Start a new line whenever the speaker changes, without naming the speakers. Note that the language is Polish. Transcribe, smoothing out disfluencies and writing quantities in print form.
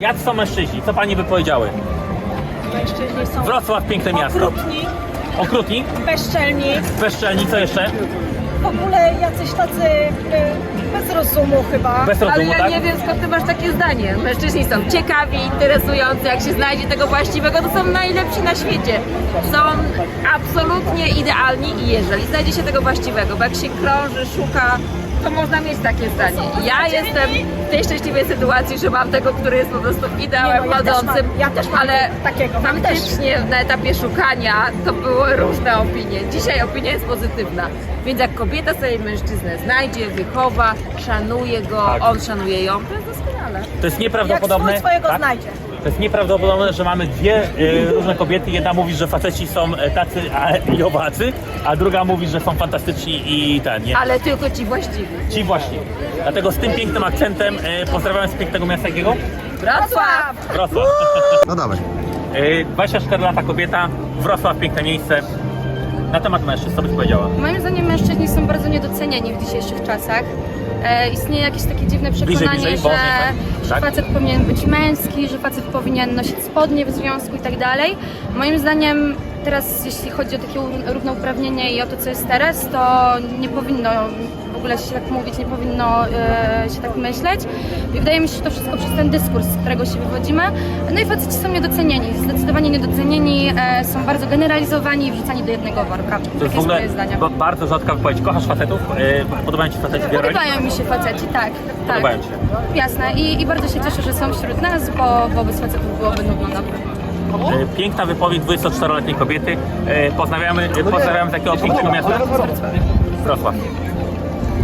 Jacy są mężczyźni? Co pani by powiedziały?
Mężczyźni są
Wrocław, piękne miasto.
okrutni,
Okrutni?
bezczelni,
Bezczelni, co jeszcze?
w ogóle jacyś tacy bez rozumu chyba.
Bez
Ale
rozumu,
ja
tak?
nie wiem, skąd ty masz takie zdanie. Mężczyźni są ciekawi, interesujący, jak się znajdzie tego właściwego, to są najlepsi na świecie. Są absolutnie idealni i jeżeli znajdzie się tego właściwego, bo jak się krąży, szuka, to można mieć takie zdanie. Ja jestem w tej szczęśliwej sytuacji, że mam tego, który jest po prostu ideałem
Nie, no,
chodzącym,
ja też mam
ale
takiego, mam
faktycznie na etapie szukania to były różne opinie. Dzisiaj opinia jest pozytywna. Więc jak kobieta sobie mężczyznę znajdzie, wychowa, szanuje go,
Tak.
on szanuje ją, to jest doskonale.
To jest
Jak
nieprawdopodobne.
swój swojego
tak?
znajdzie.
To jest nieprawdopodobne, że mamy dwie różne kobiety. Jedna mówi, że faceci są tacy i owacy, a druga mówi, że są fantastyczni i ten, nie?
Ale tylko ci właściwi.
Ci właśnie. Dlatego z tym pięknym akcentem pozdrawiam z pięknego miasta jakiego?
Wrocław!
Wrocław.
No dawaj.
24 lata kobieta, Wrocław, piękne miejsce. Na temat mężczyzn, co byś powiedziała?
Moim zdaniem mężczyźni są bardzo niedoceniani w dzisiejszych czasach. Istnieje jakieś takie dziwne przekonanie,
bliżej,
że,
wolniej, tak?
że facet powinien być męski, że facet powinien nosić spodnie w związku i tak dalej. Moim zdaniem teraz, jeśli chodzi o takie równouprawnienie i o to, co jest teraz, to nie powinno w ogóle się tak mówić, nie powinno się tak myśleć. I wydaje mi się, że to wszystko przez ten dyskurs, z którego się wywodzimy. No i faceci są niedocenieni, zdecydowanie niedocenieni, są bardzo generalizowani i wrzucani do jednego worka.
To
Takie
jest w
jest
ogóle
moje zdanie.
bardzo rzadka wypowiedź. Kochasz facetów? Podobają ci faceci w Bieloruni?
Podobają mi się faceci, tak.
Podobają ci się.
Jasne. I bardzo się cieszę, że są wśród nas, bo bez facetów byłoby nudno na pewno.
Piękna wypowiedź 24-letniej kobiety. Pozdrawiamy z jakiego pięknego miasta? Wrocław.